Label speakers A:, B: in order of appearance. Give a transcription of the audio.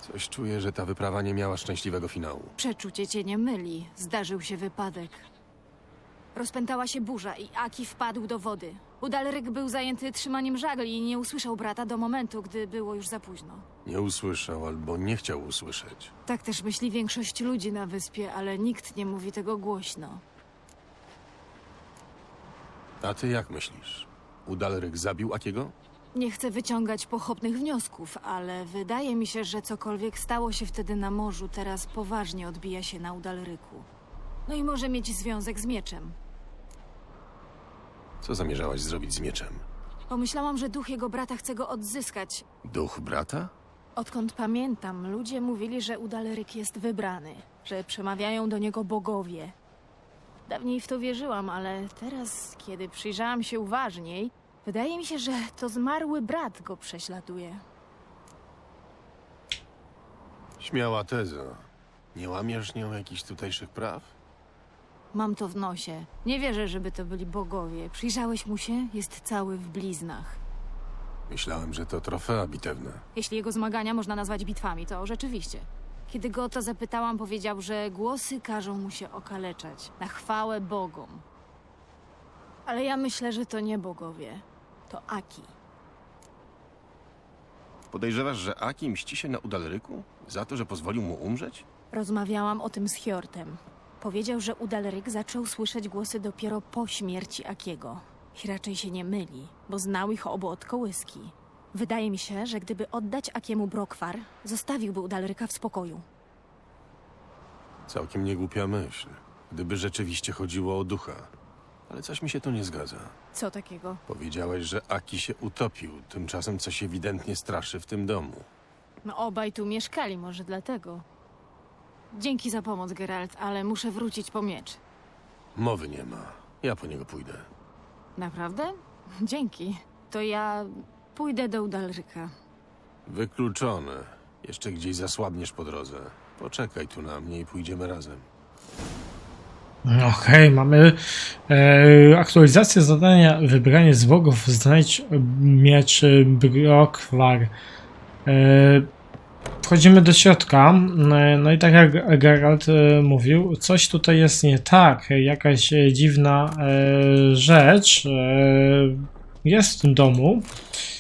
A: Coś czuję, że ta wyprawa nie miała szczęśliwego finału.
B: Przeczucie cię nie myli. Zdarzył się wypadek. Rozpętała się burza i Aki wpadł do wody. Udalryk był zajęty trzymaniem żagli i nie usłyszał brata do momentu, gdy było już za późno.
A: Nie usłyszał albo nie chciał usłyszeć.
B: Tak też myśli większość ludzi na wyspie, ale nikt nie mówi tego głośno.
A: A ty jak myślisz? Udalryk zabił Akiego?
B: Nie chcę wyciągać pochopnych wniosków, ale wydaje mi się, że cokolwiek stało się wtedy na morzu, teraz poważnie odbija się na Udalryku. No i może mieć związek z mieczem.
A: Co zamierzałaś zrobić z mieczem?
B: Pomyślałam, że duch jego brata chce go odzyskać.
A: Duch brata?
B: Odkąd pamiętam, ludzie mówili, że Udalryk jest wybrany, że przemawiają do niego bogowie. Dawniej w to wierzyłam, ale teraz, kiedy przyjrzałam się uważniej, wydaje mi się, że to zmarły brat go prześladuje.
A: Śmiała teza. Nie łamiesz nią jakichś tutejszych praw?
B: Mam to w nosie. Nie wierzę, żeby to byli bogowie. Przyjrzałeś mu się? Jest cały w bliznach.
A: Myślałem, że to trofea bitewne.
B: Jeśli jego zmagania można nazwać bitwami, to rzeczywiście. Kiedy go o to zapytałam, powiedział, że głosy każą mu się okaleczać. Na chwałę bogom. Ale ja myślę, że to nie bogowie. To Aki.
A: Podejrzewasz, że Aki mści się na Udalryku? Za to, że pozwolił mu umrzeć?
B: Rozmawiałam o tym z Hjortem. Powiedział, że Udalryk zaczął słyszeć głosy dopiero po śmierci Akiego. I raczej się nie myli, bo znał ich obu od kołyski. Wydaje mi się, że gdyby oddać Akiemu brokwar, zostawiłby Udalryka w spokoju.
A: Całkiem niegłupia myśl. Gdyby rzeczywiście chodziło o ducha. Ale coś mi się tu nie zgadza.
B: Co takiego?
A: Powiedziałeś, że Aki się utopił. Tymczasem coś ewidentnie straszy w tym domu.
B: No obaj tu mieszkali, może dlatego. Dzięki za pomoc, Geralt, ale muszę wrócić po miecz.
A: Mowy nie ma. Ja po niego pójdę.
B: Naprawdę? Dzięki. To ja pójdę do Udalryka.
A: Wykluczone. Jeszcze gdzieś zasłabniesz po drodze. Poczekaj tu na mnie i pójdziemy razem.
C: Okej, mamy aktualizację zadania wybranie z bogów, znajdź miecz Brokwar. Wchodzimy do środka, no i tak jak Geralt mówił, coś tutaj jest nie tak, jakaś dziwna rzecz jest w tym domu.